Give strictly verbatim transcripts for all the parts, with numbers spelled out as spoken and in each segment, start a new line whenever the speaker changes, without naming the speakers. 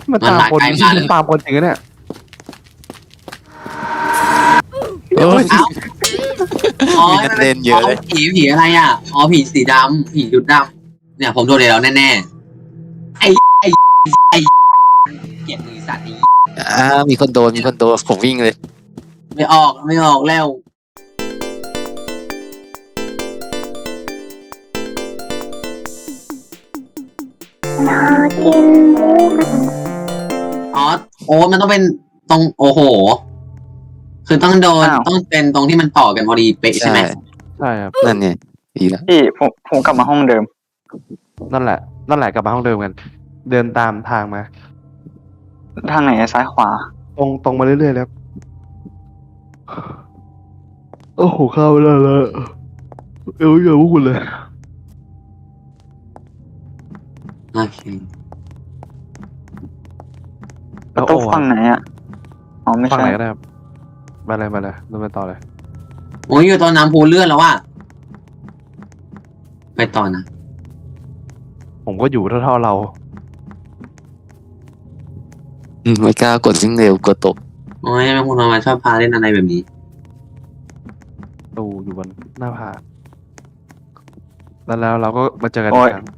มันตามคนมันตามคนจริงเนี่ย
โอ้ย
เอ้าอ๋อ
มีนักเล่นเยอะเลย
ผีผีอะไรอ่ะอ๋อผีสีดำผียุดดำเนี่ยผมโดนแล้วแน่ๆไอ้ไอ้ไอ้เกลียดมือสัตว์นี้
อ่ามีคนโดนมีคนโดนผมวิ่งเลย
ไม่ออกไม่ออกแล้วอ๋อโอ้มันต้องเป็นตรงโอ้โห คือต้องโดนต้องเป็นตรงที่มันต่อกันพอดีเป๊ะใช่ไหม
ใช่ครับ
นั่นเนี่ยดีแล้ว
พี่ผมผมกลับมาห้องเดิม
นั่นแหละนั่นแหละกลับมาห้องเดิมกัน เดินตามทางมา
ทางไหนอะซ้ายขวา
ตรงตรงมาเรื่อยๆแล้วโอ้โหเข้าไปแล้วเลยเอวเยอะพวกคุณเลย
โอเค
ประตูฝั่งไหนอะอ๋อไม่
ฝั่ง
ใช่
ไหนก็ได้ครับมาเลยมาเลยเดินไปต่อเลย
โอ้ยอยู่ตอนน้ำพูเลื่อนแล้วว่ะไปต่อนะ
ผมก็อยู่เท่าๆเรา
อืมไม่กล้ากดวิ่งเร็วกดตก
โอ้ยแม่คุณมาชอบพาเล่นอะไรแบบนี้
ตูอยู่บนหน้าผาแล้วแล้วเราก็มาเจอกันอีกครั้ง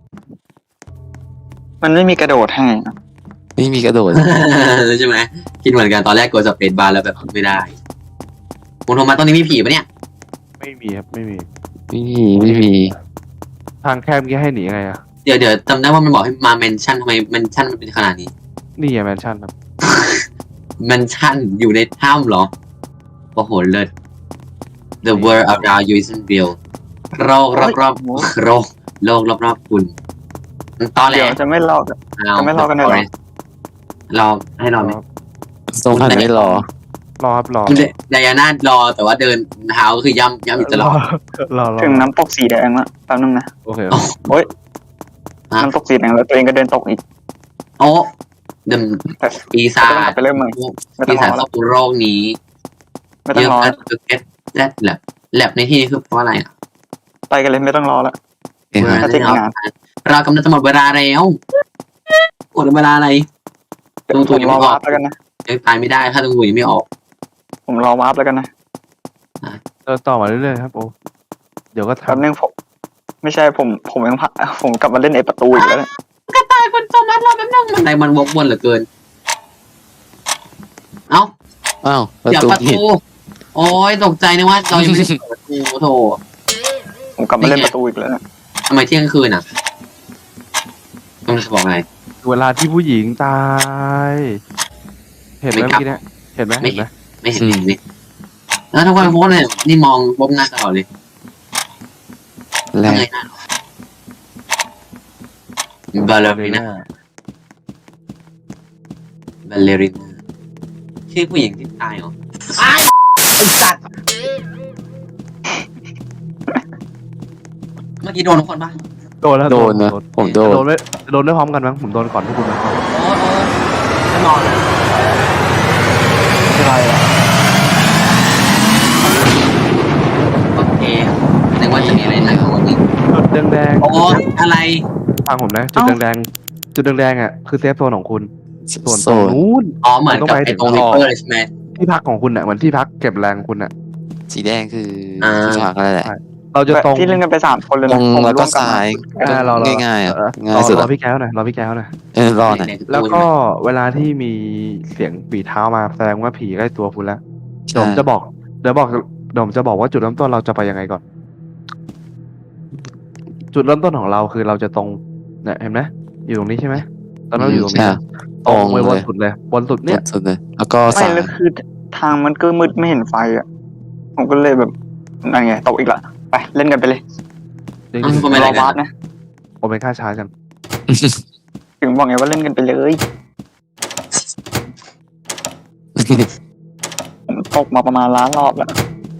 มันไม่มีกระโดดให้อะ
ไม่มีกระโดด
ใช่ไหมคิดเหมือนกันตอนแรกกดสเปซบาร์แล้วแบบไม่ได้คุณโทรมาตรงนี้มีผีปะเนี่ย
ไม่มีครับไม่มี
ไม่มีไม่มี
ทางแคบเมื่อกี้ให้หนีไงอะ
เดี๋ยวเดี๋ยวจำได้ว่ามันบอกให้มาเมนชั่นทำไมเมนชั่นมันเป็นขนาดนี้
นี่อะแมนชั่นครับ
เมนชั่นอยู่ในถ้ำเหรอโอ้โหเลิศ The world around you isn't real โรครอบรอบโรคโลกรอบรอบคุณมันตอนแร
เดี๋ยว
ก
จะไม่รอดอะ จะไม่รอกันเลยเหรอ
รอให้รอไหม
ตรงหันไม่รอ
รอครับรอ
คุณไดอาน่ารอแต่ว่าเดินเท้าก็คือย่ำย่ำอยู่ตลอด
รอรอ
ถึงน้ำตกสีแดงละแป๊บนึงนะ
โอเค
โอ้ย
อ่ะ
น้ำตกสีแดงแล้วตัวเองก็เดินตกอีก
โอ้เดิม
แต่
ปีศา
ไม่ต้องกลั
จ
บไปเริ่มใหม่ไม่ต้
ปี
องร
ศาจ
อ
ค
แล้
รอ
ว
บโรคนี้
ไม่ต้องรอ
เย
แล้ว
อะ get that lab lab ในที่นี้คือเพราะอะไรอ่ะ
ไปกันเลยไม่ต้องรอแล้ว
เอ้ย
ถ้าจะงาน
เรากำลังจะหมดเวลาแล้วหมดเวลาอะไร
เดี๋ยว
ตรง
ผ
ตัว
ม
ยัง
รอ
ไม่ออ
วาก ร์ปแล้วกันนะ
ยังตายไม่ได้ถ้าตรงตัวยังไม่ออก
ผมรอวาร์ปแล้วกันนะ
เดินต่อมาเรื่อยๆครับโอ้เดี๋ยวก็
แป๊บ
ทำ
นึงผมไม่ใช่ผมผมยังพักผมกลับมาเล่นไอ้ประตูอีกแล้วเนี่ย
กระต่ายคนโทมัสรอแป๊บนึงมันไหนมันวกวนเหลือเกิน เอ้า
อ้าวประ
เดี๋ยว
ตู
ประ
ผิด
ตูโอ้ยตกใจนึกว่าเรายังไม่ได้เปิดประตูโถ
ผมกลับมาเล่นประตูอีกแล้วเนี่ย
ทำไมเที่ยงคืนอ่ะต้องจะบอกไง
เวลาที่ผู้หญิงตาย เห็นไหมเมื่อกี้เนี่ยเห็นไหมเห็นไหม
ไม่เห็นนี่แล้วทุกคนโพสเลยนี่มองบมหน้าตลอดเลย
แร
ทำไง
ก
หน้าบาลเลริน่าบาลเลริน่าชื่อผู้หญิงที่ตายเหรอไอ้ไอ้สัตว์เมื่อกี้โดนทุกคนปะ
โดนแล้ว
โดนนะผมโดน
โดนไม่โดนได้พร้อมกันมั้งผมโดนก่อนทุกคนนะ
โอ้โอ้ไม่มองนะ
อะไรอ่ะ
โอเคนึกว่าจะมีอะไรหนักกว่านี้
จุดแดง
โอ้อะไร
ๆฟังผมนะจุดแดงๆจุดแดงๆอ่ะคือเซฟโซนของคุณส่วน
โซ
ตรง
น
นู้น
อ๋อเหมือนกับไอ้ตรงริปเปอร์เลยใช่ไหม
ที่พักของคุณอ่ะเหมือนที่พักเก็บแรงคุณอ่ะ
สีแดงคือที่พักอะไรแหละ
เราจะตรง
ที่เล่นกันไปสามคนเลย
ตร
นะ
ง
ผม
แล้ว
ร่
ก็
วมกลับ
ซ้าม ย
อ่าเราเรา
ง่ายๆอ่ะ
เออ
ง่าย
รอ
สุด
รอ
อะ
พี่แก้วหน่อยรอพี่แก้วหน่อย
เออรอหน่อย
แล้วก็เวลาที่มีเสียงปีเท้ามาแสดงว่าผีใกล้ตัวคุณแล้วเดี๋ยวผมจะบอกเดี๋ยวบอกเดี๋ยวผมจะบอกว่าจุดเริ่มต้นเราจะไปยังไงก่อน จุดเริ่มต้นของเราคือเราจะตรงเนี่ยเห็นไหมอยู่ตรงนี้ใช่ไหมตอนนั้นเราอยู่ตรงนี้
ใช่
ตรงไป
ตรง
บ
เล
น
ย
สุดเลยบนสุด
เนี่
เนี่ย ย
สุดเลยแล้วก็
ไม่
ซ้าย
แล้วคือทางมันก็มืดไม่เห็นไฟอ่ะ ผมก็เลยแบบนั่นไงตกอีกละไปเล่นกันไปเลย
จริง
อืม
ๆ
ก็ไม่
ร
ได้
อ
กั
วาร์ป
น
นะ
โอเมก้าชาร์จกัน
ถึงบอกไงว่าเล่นกันไปเลยผมตกมาประมาณล้านรอบแล้ว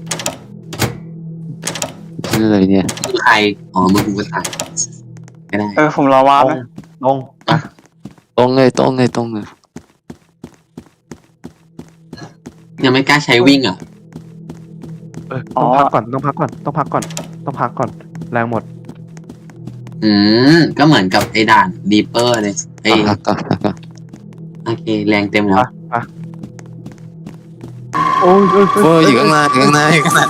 นี่เลยเนี่ย
คือใครอ๋อมึงกูก็ตายก็ได้
เออผมรอวาร์ปนะ
ตรงอ่ะ
ตรงเลยตรงเลยตรงเลย
ยังไม่กล้าใช้วิ่งอ่ะ
เออต้องพักก่อนต้องพักก่อนต้องพักก่อนต้องพักก่อนแรงหมด
อืมก็เหมือนกับไอ้ด่านรีเปอร์เลยไอ้
พักก่อนพักก่อน
โอเคแรงเต็มแล้ว
อ่ะอ่ะโอ้ยเอ้ย
โอ้ยอยู่ข้างหน้าอยู่ข้างหน้าอยู่ข้างหน้า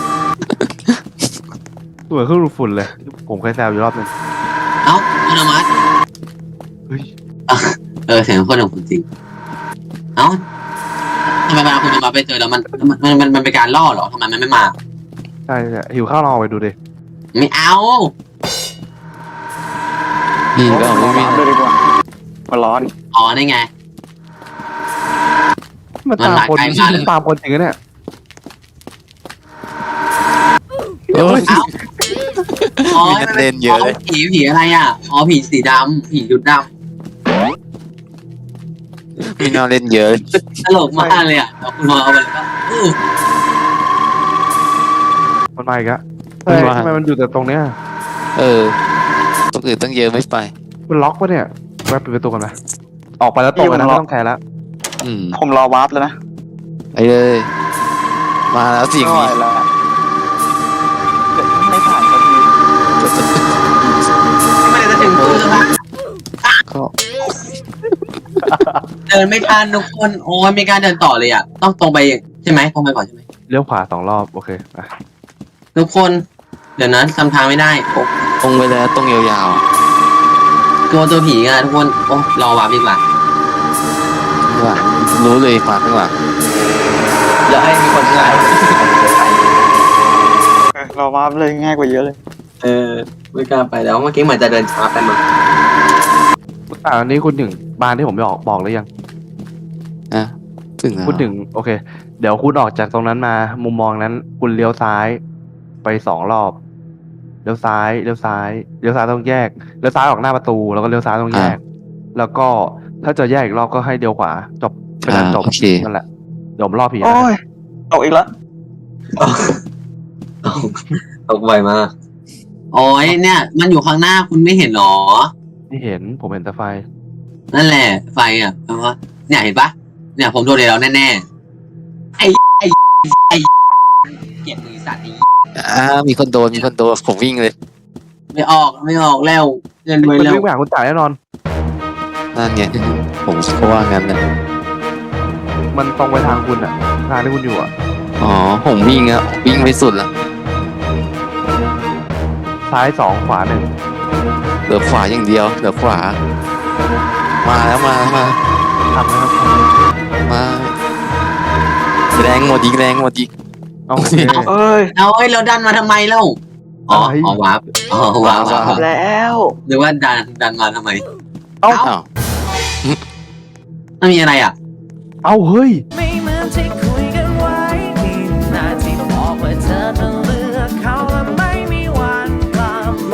เหมือนเครื่องดูดฝุ่นเลย ผมเคยแซวอยู่รอบหนึง
เอ้าอัตโนมัติ
เฮ้ย
เออเสียงคนของคุณจริงเอ้าทำไมเวลาคุณจะมาไปเจอแล้วมันมันมันมันมันเป็นการล่อเหรอทำไมมันไม่มา
ใช่ใช่หิวข้าวลองเอาไปดูดิ
ไม่เอา
มีก็
ร
ไม่
อ
มี
วาร์ปเลยดีกว่ามันร้อน
อ๋อนี่ไง
มันตามคน
มันมาใกล้มาเลย
ตามคนจริงนะเนี่ย
โอ้ย
เอ้าอ๋อ
มีนักเรียนเยอะเลย
ผีผีอะไรอ่ะอ๋อผีสีดำผีดุดด
มีนอนเล่นเยอะ
ำตลกมากเลยอ่ะแล้วคุณมองเอาไปแล้วก็อู้
มันมาอีกอะเฮ้ยทำไมมันอยู่แต่ตรงเนี้ย
เออตรงอื่นตั้งเยอะไม่ไป
มันล็อกปะเนี่ยแวะปิดประตูกันไหมออกไปแล้วตกเลยนะไม่ต้องแคร์แล้ว
อืม
ผมรอวาร์ปแล้วนะ
ไปเลยมาแล้วสิ่ง
ไม่ไหว
นี้
แล้วไม่ผ่านสักที
ไม่ได้จะถึงตู้แล้ว
ก็
เดินไม่ทันทุกคนโอ้ยมีการเดินต่อเลยอ่ะต้องตรงไปใช่ไหมตรงไปก่อนใช่ไหม
เลี้ยวขวาสองรอบโอเคอ่ะ
ทุกคน เดี๋ยวนั้นจำทางไม่ได้โอ้
ตรงไปแล้วตรงยาวๆอ่ะ
กลัวตัวผีอ่ะทุกคนโอ้รอวาร์ปดีกว่า
ข้างหลังรู้เลยมาข้างหลัง
เดี๋ยวให้มีคนถ่าย
เออรอวาร์ปเลยง่ายกว่าเยอะเลย
เออไม่กล้าไปแล้วเมื่อกี้เหมือนจะเดินช้าไปมั้ง
อ่าอันนี้คุณถึงบ้านที่ผมบอกบอกหรือยัง
นะถึงแล้ว
คุณถึงโอเค เดี๋ยวคุณออกจากตรงนั้นมา มุมมองนั้น คุณเลี้ยวซ้ายไปสองรอบเลี้ยวซ้ายเลี้ยวซ้ายเลี้ยวซ้ายต้องแยกเลี้ยวซ้ายออกหน้าประตูแล้วก็เลี้ยวซ้ายต้องแยก แล้วก็ถ้าจะแยกอีกรอบก็ให้เลี้ยวขวาจบเป็นอันจบ
โอเค
นั่นแหละเดี๋ยวผมรอผีนะ
โอ้ยตกอีกแล้ว
ตกไวมากโอ้ยเนี่ย มันอยู่ข้างหน้าคุณไม่เห็นหรอ
ที่เห็นผมเห็นแต่ไฟ
นั่นแหละไฟอ่ะเพราะว่าเนี่ยเห็นปะเนี่ยผมโดนเลยแล้วแน่ๆไอ้ไอ้ไอ้เกลียดมือสัตว์นี้
อ่ามีคนโดนมีคนโดนผมวิ่งเลย
ไม่ออกไม่ออกแล้วเงิน
มัน
ไว้แล้ว
วิ่งไปหาคุณจ่ายแน่นอน
นั่นไงผมก็ว่างั้นนะ
มันตรงไปทางคุณอะทางที่คุณอยู่อะ
อ๋อผมวิ่งอะวิ่งไปสุดละ
ซ้ายสองขวาหนึ่ง
เหลือขวาอย่างเดียวเหลือขวา มาแล้วมาแล้วมา
ทำนะครับ
มาแรงหมดอีกแรงหมดอีก
เอาโอเค
เอ้ย
เอาไอ้เราดันมาทำไมเล่าอ๋ออ๋อวาร์ปอ๋อวาร์ปวาร์ป
แล้ว
หรือว่าดันดันมาทำไม
เอ้า
อ้าว
มันมีอะไรอ่ะ
เอาเฮ้ย
ไม่เหมือนที่คุยกันไว้ที่นาที่บอกว่าเธอจะเลือกเขาและไม่มีวันกลับมา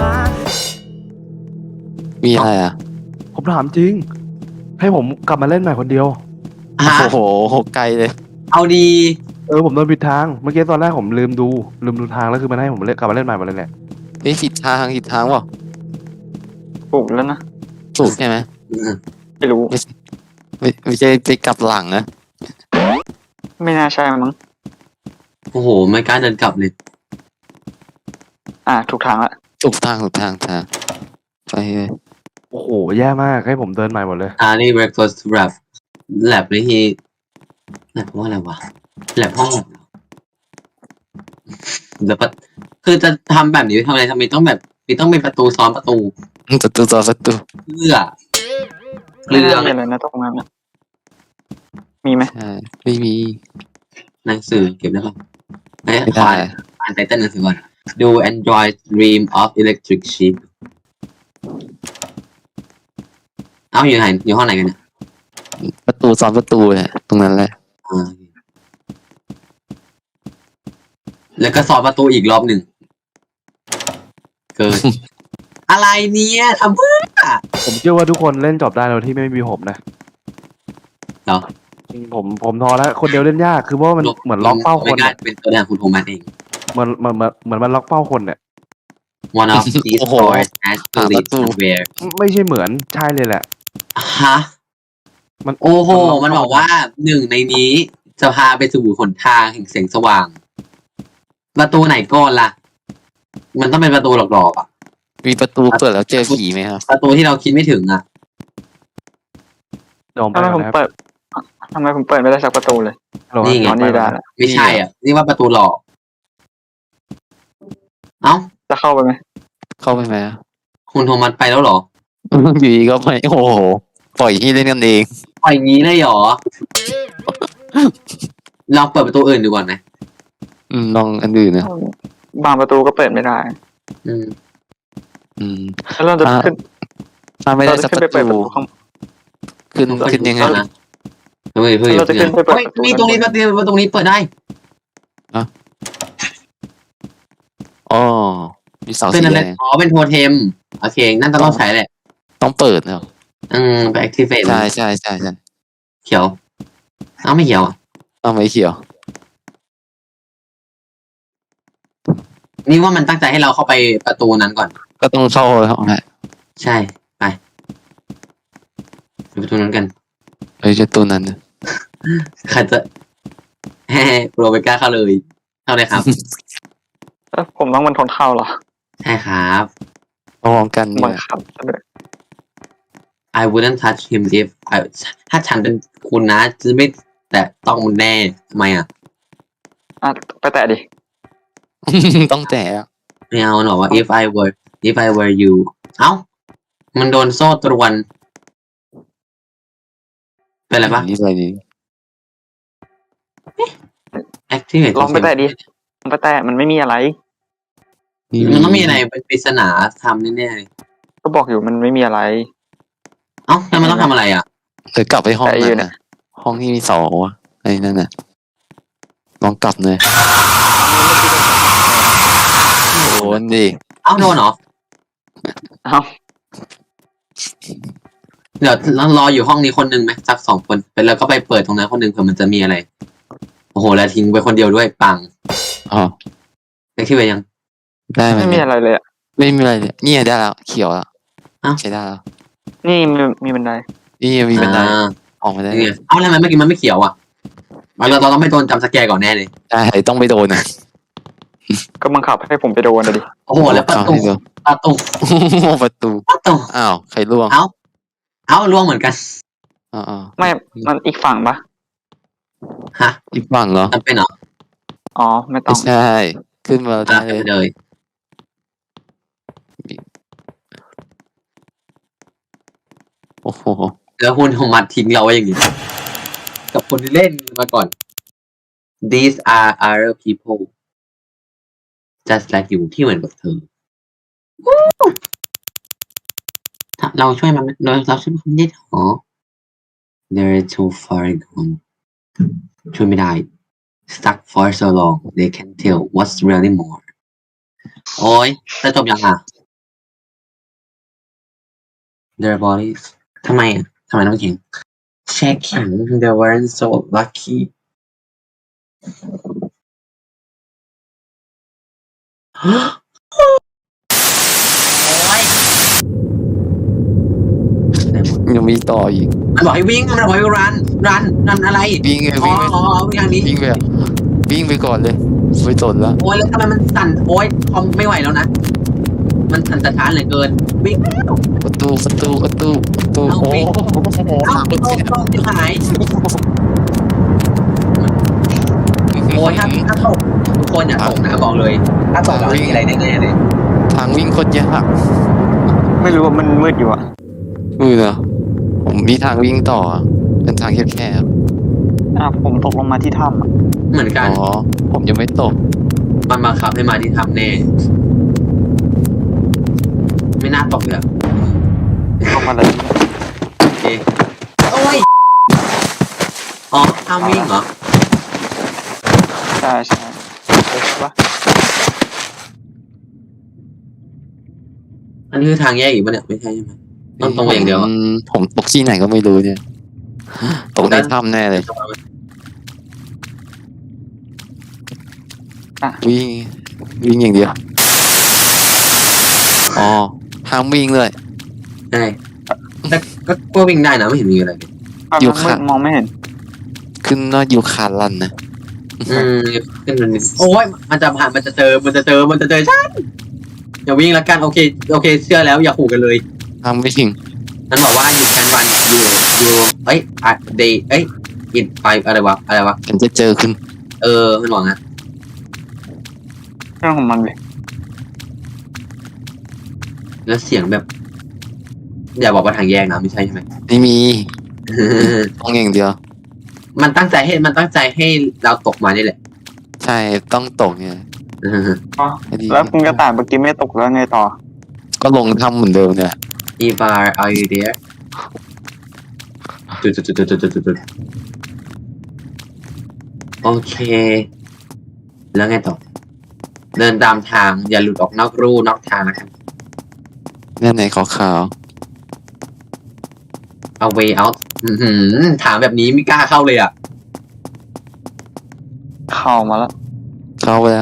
มีอะไรอ่ะ
ผมถามจริง ให้ผมกลับมาเล่นใหม่คนเดียว
ฮะ
โอ้โหไกลเลย
เอาดี
เออผมโดนผิดทาง เมื่อกี้ตอนแรกผมลืมดู ลืมดูทางแล้วคือมันให้ผมเล่นกลับมาเล่นใหม่หมดเลยแหละ
เฮ้ยผิดทางผิดทางเปล่า
ถูกแล้วนะ
ถูกใช่ไหม
ไม่รู้
ไม่ไม่ใช่ไปกลับหลังนะ
ไม่น่าใช่มั้ง
โอ้โหไม่กล้าเดินกลับเลย
อ่าถูกทางละ
ถูกทางถูกทางทางไปเลย
โอ้โห แย่มากให้ผมเดินใหม่หมดเลย
อารีเรคคอร์สแลบแลบนี่ที่แลบว่าอะไรวะแลบห้องแล้วก็คือจะทำแบบนี้ทำอะไรทำไมต้องแบบมีต้องมีประตูซ้อนประตู
ประตูต่อประตู
เพื่อเรื่อง
ไม่น่ามีอะไรนะตรงนั้นนะมีไหม
ใช่ไม่มี
หนังสือเก็บได้ป่ะเอ้ย
ไม่
ขอ
ได้
อ่านอ่านไตเติ้ลหนังสือก่อนดู Android Dream of Electric Sheep เอ้าอยู่ไหนอยู่ห้องไหนกันเนี่ย
ประตูซ้อนประตูเนี่ยตรงนั้นแหละ
อ่าแล้วก็สอนประตูอีกรอบหนึ่งเกิน อะไรเนี่ยทำเพื่อ
ผมเชื่อว่าทุกคนเล่นจบได้โดยที่ไม่มีผมนะ
เหรอ
จริงผมผมท้อแล้วคนเดียวเล่นยากคือเพราะว่ามันเหมือนล็อกเป้าคน
ไม่ได้
อะ
เป็นตัวแทนคุณโทมัสเอง
เหมือนเหมือนเหมือนเหมือนมันล็อกเป้าคนเนี่ย
One of these
โอ้โห
doors has to
หาป
lead
ระตู
somewhere
ไม่ใช่เหมือนใช่เลยแหละ
ฮะ
มัน
โอ้โห มันบอกว่าหนึ่งในนี้จะพาไปสู่หนทางแห่งแสงสว่าง ประตูไหนก่อนล่ะ มันต้องเป็นประตูหลอกๆอ่ะ
มีประตูเปิดแล้วเจอผีไหมครับ
ประตูที่เราคิดไม่ถึงอ่ะ
เดี๋ยวผมไป
ทำไม
ก่
ผ
อน
ม
นะครับ
เปิดทำไมผมเปิดไม่ได้สักประตูเลย
ฮัลโหล
นี่ไง
อ๋อนี่ได้แล้ว
ไม่ใช่อ่ะ นี่ว่าประตูหลอก เอ้า
จะเข้าไปไหม
เข้าไปไหมอะ
คุณโทมัสไปแล้วเหรอ
อยู่ดีก็ไม่โอ้โหปล่อยที่เล่นกันเอง
ปล่อยอย่างนี้เลยเหรอ เราเปิดประตูอื่นดูก่อนไหม
อืมลองอันอื่นนะ
บางประตูก็เปิดไม่ได้
อืม
อืม
แล้วเราจะ
อ่ะ
ขึ้น
ถ้าไม่ได้
เรา
สั
จะ
ก
ขึ้น
ป
ไประ เปิดประ
ตู
ตูข้าง
ขึ้นขึ้นยังไง
เอานะเฮ้ยเฮ้ย
เราจะขึ้นไปเปิด
เฮ้ย
ประตู
นี่ตรงนี้ประตูประตูนี้เปิดได้
อ๋อมีเสา
เป็น
สี
อะไร
แดง
อ๋อ เป็นโทเทม โอเค นั่นจะต้องใช้แหละ
ต้องเปิดเนาะ
อืม ไป activate
ใช่ใช่ใช่ใช่
เขียว เอ้าไม่เขียวอ่ะ
ต้องไม่เขียว
นี่ว่ามันตั้งใจให้เราเข้าไปประตูนั้นก่อน
ก็ต้องเข้าห้องแหละ
ใช่ ไปไปประตูนั้นกัน
เอ้ยจะตัวนั้นน่ะ
ใครจะแฮ่โปรไปกล้าเข้าเลย เข้าเลยครับ
เอ้ยผมต้องมันทนเข้าเหรอ
ใช่ครับ
พร้อมกันเนี่
บัง
ย
คับซะด้วย
I wouldn't touch him if I ถ้าฉันเป็นคุณนะ จะไม่แต่ต้องมันแน่ทำไมอ่ะ
อ่ะไปแตะดิ
ต้องแตะอะ
ไม่เอาหรอกว่า if I were if I were you เอ้า มันโดนโซ่ตรวน เป็นอะไรปะ
นี่อะไรนี่
activate
ลองไปแตะดิลองไปแตะมันไม่มีอะไร
มันต้องมีอะไรเป็นปริศนาทำแน่ๆเลย
ก็บอกอยู่มันไม่มีอะไร
เอ้าแล้วมันต้องทำอะไรอ่ะ
เดี๋ยวกลับไปห้อง
แต่อยู่
นั้น
เนี่ย
นะห้องที่มีเสาอะไอ้นั่นน่ะลองกลับเลยโดนดิ
เอ้าโดนเหรอ
เอ้า
เดี๋ยวเรารออยู่ห้องนี้คนหนึ่งไหมสักสองคนไปแล้วก็ไปเปิดตรงนั้นคนหนึ่งเผื่อมันจะมีอะไร โอ้โห แล้วทิ้งไปคนเดียวด้วยปัง
อ๋อ
ได้ที่ไปยัง
ได้ไหม
ไม่มี
เนี่ย
อะไรเลยอ่ะ
ไม่มีอะไรเลยเนี่ยได้แล้วเขียวแล้ว
อ้าว
ใช้ได้แล้ว
นี่มีมีบันได
นี่มีบันได
อ่า
ออกมาได้
นี่ไงเอ้าทำไมเมื่อกี้มันไม่เขียวอ่ะเราเราต้องไม่โดนจำสแกร์ก่อนแน่เลย
ใช่ต้องไปโดนนะ
ก็บังคับให้ผมไปโดนเลยดิ
โอ้โห แล้วประตู
ให้โดน
ประตู
ประตู
ประตู
อ้าวใครล่วง
เอ้า เอ้าล่วงเหมือนกัน
อ๋อ
ไม่มันอีกฝั่งปะ
ฮะ
อีกฝั่งเหรอ
จำเป็นเหรอ
อ๋อไม่ต้
ไม่
อง
ใช่ขึ้นมา
อ่ะ
ได้
ไป
เลย
เลย
โอ้โห
แล้วคุณโทมัสทิ้งเราไว้อย่างนี้กับคนที่เล่นมาก่อน these are other people just like you ที่เหมือนกับเธอถ้าเราช่วยมันเราเราช่วยมันไม่ได้หรอ they're too far gone ช่วยไม่ได้ stuck for so long they can tell what's really more โอ้ยจะจบยังอ่ะ their bodies ทำไมอ่ะทำไมต้องเขียน checking they weren't so lucky โอ้ย
ยังมีต่ออีก
มันบอกให้วิ่งมันบอกให้รันรันรันอะไร
วิ่งไง
อ๋อ
วิ่งไป
อ๋อวิ่งทางนี้
วิ่งไปอะวิ่งไปก่อนเลยไปสนแล้ว
โอ้ยแล้วทำไมมันสั่นโอ้ยคอมไม่ไหวแล้วนะ มันสั่นสะท้านเหลือเกิน วิ่ง
ประตูประตูประตูประตู
เอา
โอ้
วิ่ง
โห
เอ้าโอ้ยต้องที่หายโอ้ยถ้าถ้าตกทุกคนอย่าตกนะบอกเลย ถ้าตกแล้วมีอะไรแน่ๆเลย
ทางวิ่งโคตรยาก
ไม่รู้ว่ามันมืดอยู่อ่ะ
มือเนอะผมมีทางวิ่งต่ออะเป็นทางแคบ
อ่ะผมตกลงมาที่ถ้ำอะ
เหมือน
ๆ
กัน
อ๋อผมยังไม่ตก
มันบังคับให้มาที่ทำแน่ ไม่น่าตกเลยอะ
ลงมาเลย
โอเคโอ้ย อ๋อห้ามวิ่งเหรอ
ใช่ใช่ใช่ปะ
อันนี้คือทางแยกอีกปะเนี่ย ไม่ใช่ใช่ไหมต้องตรงไปอย่างเดียวอะ
มผมตกที่ไหนก็ไม่รู้เนี่ยตกในถ้ำแน่เลย วิ่งวิ่งอย่างเดียวอ๋อห้ามวิ่งเลย
ใช่แต่ก็ก็วิ่งได้นะไม่เห็นมีอะไรเลย
อ่ะ
อยู่
มันมื
ข้าง
ดมองไม่เห็น
ขึ้นว่าอยู่คารันนะ
อืมขึ้นมันนิดโอ้ยมันจะผ่านมันจะเจอมันจะเจอมันจะเจอฉันอย่าวิ่งละกันโอเคโอเคเชื่อแล้วอย่าขู่กันเลย
ห้ามวิ่ง
มันบอกว่า you can run you you เอ้ย uh, they เอ้ยอินไปอะไรวะอะไรวะ
กันจะเจอคุณ
เออมันบอกนะ
เรื่องของมันเลย
แล้วเสียงแบบ อย่าบอกว่าทางแยกนะไม่ใช่ใช่ไหม
ไม่มีต้องอย่างเดียว
มันตั้งใจให้มันตั้งใจให้เราตกมานี่แหละ
ใช่ต้องตกไง
อ๋อ
ให้ดี
แล้วคุณกระต่ายเมื่อกี้ไม่ตกแล้วไงต่อ
ก็ลงทำเหมือนเดิมเนี่ย
Ivar are you there จุดจุดจุดจุดจุดจุดจุดโอเค แล้วไงต่อ เดินตามทางอย่าหลุดออกนอกรูนอกทางนะครับ
เนี่ยไหนขาว
เอา way out อื้อหือถามแบบนี้ไม่กล้าเข้าเลยอ่ะ
เข้ามาแล้ว
ๆเข้าไปแล้ว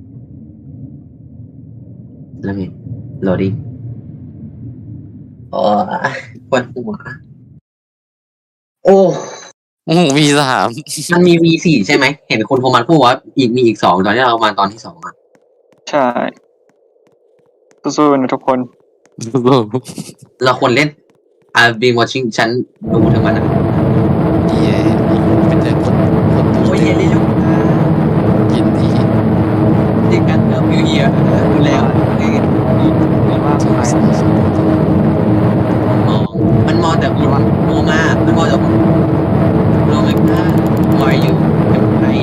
แล้วไง loading โอ้ยปวดหัวโอ้
โอ้โหมีสาม
มันมี วี สี่ ใช่ไหม เห็นคนโทรมาพูดว่าอีกมีอีกสองตอนที่เรามาตอนที่สองอ่ะ
ใช่สู้ๆนะทุกคน
เราควรเล่น I've been watching ฉันดูทั้งวันอ่ะ
ดีไอ้เป็นแต่คนคนดู
โอ้ย
เต็
เย็น
ม
เลยลูก
กินดี
เด็กกันเริ่มอยู่เฮียดูแล้วเอ้ยมองมันมองแต่คุณโมมามันมองแต่คุณโนไม่กล้า How are you เป็นใคร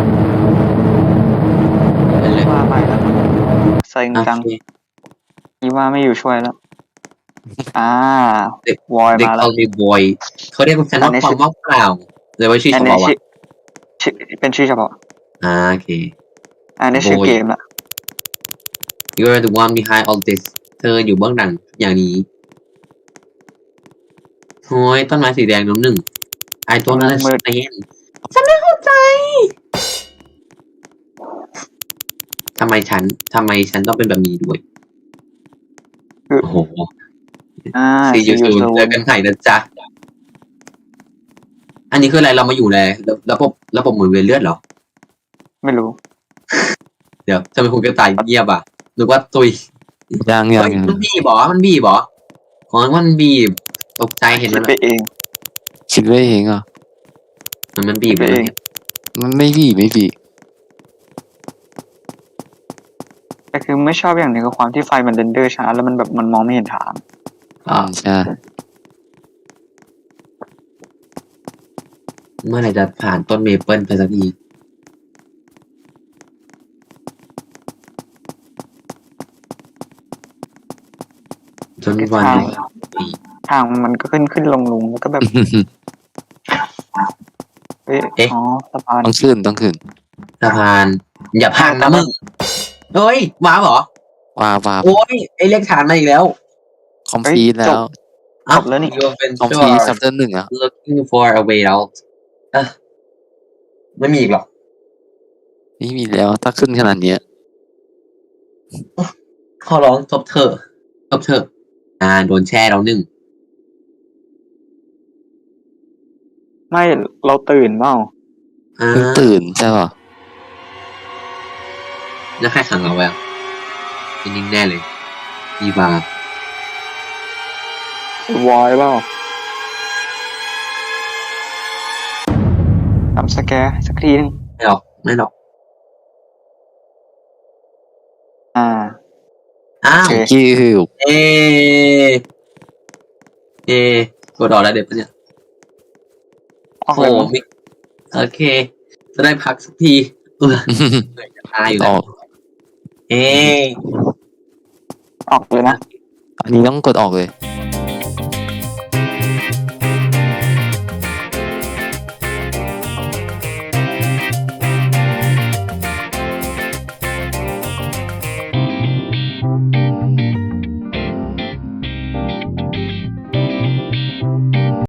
เล่นเลย
ว่าไปแล้วใส่จัง
โอเค
อีว่าไม่อยู่ช่วยแล้ว อ่า
เด็ก
วอย
เด็ก
มาแล้
เขา
ว
เรียกบอยเขาเรียกฉันว่าความว่างเปล่าเลยว่าชื่อ
อัน
เฉ
นี้
พาะวะ
ชื่อชื่อเป็นชื่อเฉพาะ
อ่าโอเค
อันนี้ชื่อ
โบย
เกมละ
You are the one behind all this เธออยู่เบื้องหลังอย่างนี้โอ้ยต้นไม้สีแดงน้ำหนึ่งไอตัวนั้นฉันเองฉันไม่เข้าใจทำไมฉันทำไมฉันต้องเป็นแบบนี้ด้วย
คือ
โอ้โห
อ่า
ซียู
ซี
ซู
ยู
เจอกันไหนนะจ๊ะ อันนี้คืออะไรเรามาอยู่ในระบบระบบหมุนเวียนเลือดเหรอ
ไม่รู้
เดี๋ยวทำไมคุณกระต่ายเงียบอ่ะนึกว่าตุย
ยังยัง
เฮ้ย
ยัง
มันบีบเหรอมันบีบเหรออ๋อมันบีบตกใจเห็น
คิ
มั
ด
น
ไปเอง
คิดไว้เองอ่ะ
มันมันบีบ
คิดไปเอง
มันไม่บีไม่บี
แต่คือไม่ชอบอย่างหนึงคือความที่ไฟมันเรนเดอร์ช้าแล้วมันแบบมันมองไม่เห็นทาง
อ่าใช่
เมื่อไหร่จะผ่านต้นเมเปิลไปสักทีจนวัน
ทาง
หนึ่งปี
ทางมันก็ขึ้นขึ้นลงลงแล้วก็แบบเอ๊ะอ๋อสะพาน
ต้องขึ้นต้องขึ้น
สะพาน อย่าพังนะมึงเฮ้ยว้าวเหรอ
ว้าวว้าว
โอ้ยไอเลขฐานมาอีกแล้ว
คอมพลีทแล้ว
อ้าว
จบแล้วนี่
ยูเป็น
คอมพ
ชั่
ลีท
ว
ซับเตอร์หนึ่งอ่ะ
looking for a way out เอะไม่มีอีกหรอก
ไม่มีแล้วถ้าขึ้นขนาดเนี้ย
ขอร้องจบเถอะจบเถอะอ่าโดนแช่แล้วหนึ่ง
ไม่เราตื่นเปล่า
อ่า
เพิ่งตื่นใช่ป่ะ
แล้วใครขังเราไว้อะนิ่งๆแน่เลยมีบาร์
วอยเปล่าทำสแกร์สักทีหนึง
ไม่หรอกไม่หรอก
อ่า
อ้าว
โอเค
กิ้ว
เอเอกดออกแล้วเด็ดปะเนี่ย
ออก
โอ้
เลย
โห
มั้ง
มิโอเค จะได้พักสักทีเออเหนื่อยจะตายอยู่
อ
แล้ว
อก
เอ
ออกเลยนะ
อันนี้ต้องกดออกเลย